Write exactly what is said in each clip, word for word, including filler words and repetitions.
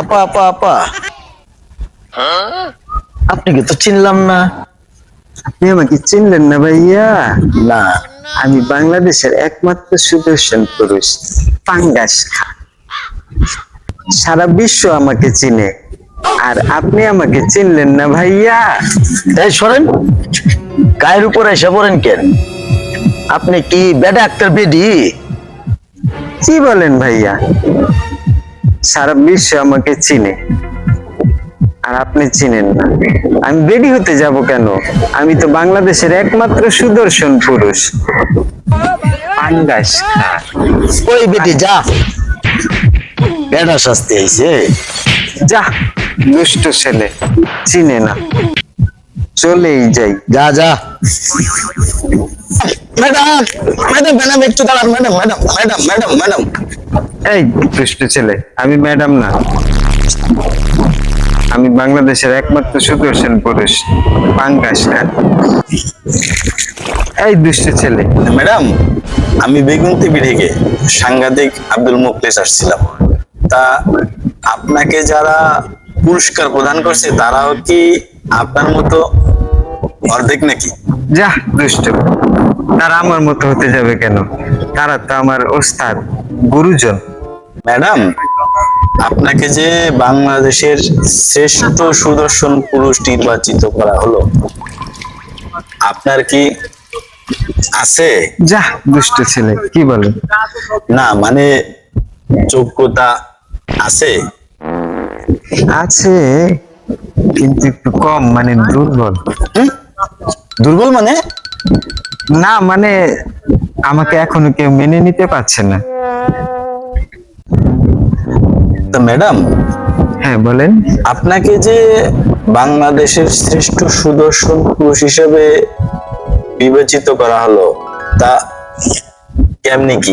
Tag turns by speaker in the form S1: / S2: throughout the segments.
S1: আপা আপা আপা, আপনাকে তো চিনলাম না।
S2: আপনি আমাকে চিনলেন না ভাইয়া?
S1: না।
S2: আমি বাংলাদেশের একমাত্র সুদর্শন পুরুষ পাঙ্গাস খা। সারা বিশ্ব আমাকে চিনে, আর আপনি আমাকে চিনলেন না ভাইয়া।
S1: এই সরেন, গায়ের উপর এসে পড়েন কেন? আপনি কি বেডা একটা বেডি?
S2: কি বলেন ভাইয়া? সারা বিশ্ব আমাকে চিনে, আর আপনি চিনেন না। আমি বেডি হতে যাব কেন? আমি তো বাংলাদেশের একমাত্র সুদর্শন পুরুষ পাঙ্গাস খা।
S1: ওই বেটি যা, বেডা শাস্তি আইছে।
S2: যা দুষ্ট ছেলে, চিনে না, চলেই যাই।
S1: যা যা। ম্যাডাম ম্যাডাম ম্যাডাম একটু দাঁড়ান, madam madam madam madam madam.
S2: এই দুষ্ট ছেলে, আমি ম্যাডাম না, আমি বাংলাদেশের একমাত্র সুদর্শন পুরুষ পাঙ্গাস খা। এই দুষ্ট ছেলে,
S3: ম্যাডাম, আমি বেগুন টিভি থেকে সাংবাদিক আব্দুল মুখলেস আসছিলাম। তা আপনাকে যারা পুরস্কার প্রদান করছে তারাও কি আপনার মতো অর্ধেক নাকি?
S2: যা দুষ্ট, তারা আমার মতো হতে যাবে কেন? তারা তো আমার ওস্তাদ, গুরুজন।
S3: ম্যাডাম, আপনাকে যে বাংলাদেশের শ্রেষ্ঠ সুদর্শন পুরুষ নির্বাচিত করা হলো, আপনার কি আছে?
S2: যা দুষ্ট ছেলে, কি বলে?
S3: না মানে যোগ্যতা আছে?
S2: আছে, কিন্তু একটু কম, মানে দুর্বল।
S3: হুম? দুর্বল মানে?
S2: না মানে আমাকে এখনো কেউ মেনে নিতে পারছে না।
S3: তা ম্যাডাম,
S2: হ্যাঁ বলেন।
S3: আপনাকে যে বাংলাদেশের শ্রেষ্ঠ সুদর্শন পুরুষ হিসেবে বিবেচিত করা হলো, তা কেমনি কি?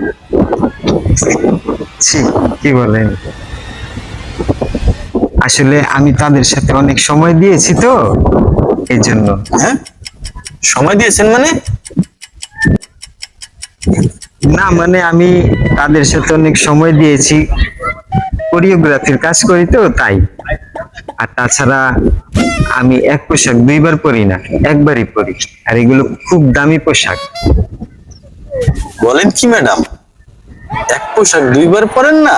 S2: ছি, কি বলেন? আসলে আমি তাদের সাথে অনেক সময় দিয়েছি তো, এই জন্য।
S3: হ্যাঁ, সময় দিয়েছেন মানে?
S2: না মানে আমি তাদের সাথে অনেক সময় দিয়েছি, কোরিওগ্রাফির কাজ করি তো তাই। আর তাছাড়া আমি এক পোশাক দুইবার পরি না, একবারই পরি, আর এগুলো খুব দামি পোশাক।
S3: বলেন কি ম্যাডাম, এক পোশাক দুইবার পরেন না?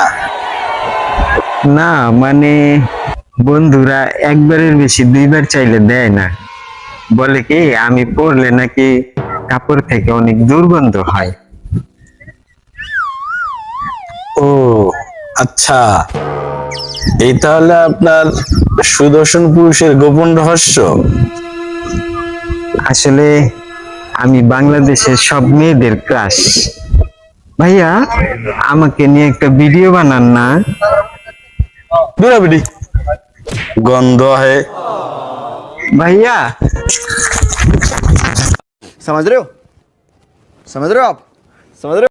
S2: না মানে বন্ধুরা একবারের বেশি দুইবার চাইলে দেয় না, বলে কি আমি পরলে নাকি কাপড় থেকে অনেক দুর্গন্ধ হয়।
S3: ও আচ্ছা, এই তাহলে আপনার সুদর্শন পুরুষের গোপন রহস্য।
S2: আসলে আমি বাংলাদেশের সব মেয়েদের ক্রাশ। ভাইয়া আমাকে নিয়ে একটা ভিডিও বানান না।
S3: বিড়াবিড়ি গন্ধ হয়।
S2: ভাইয়া
S4: समझ रहे हो समझ रहे हो आप समझ रहे हो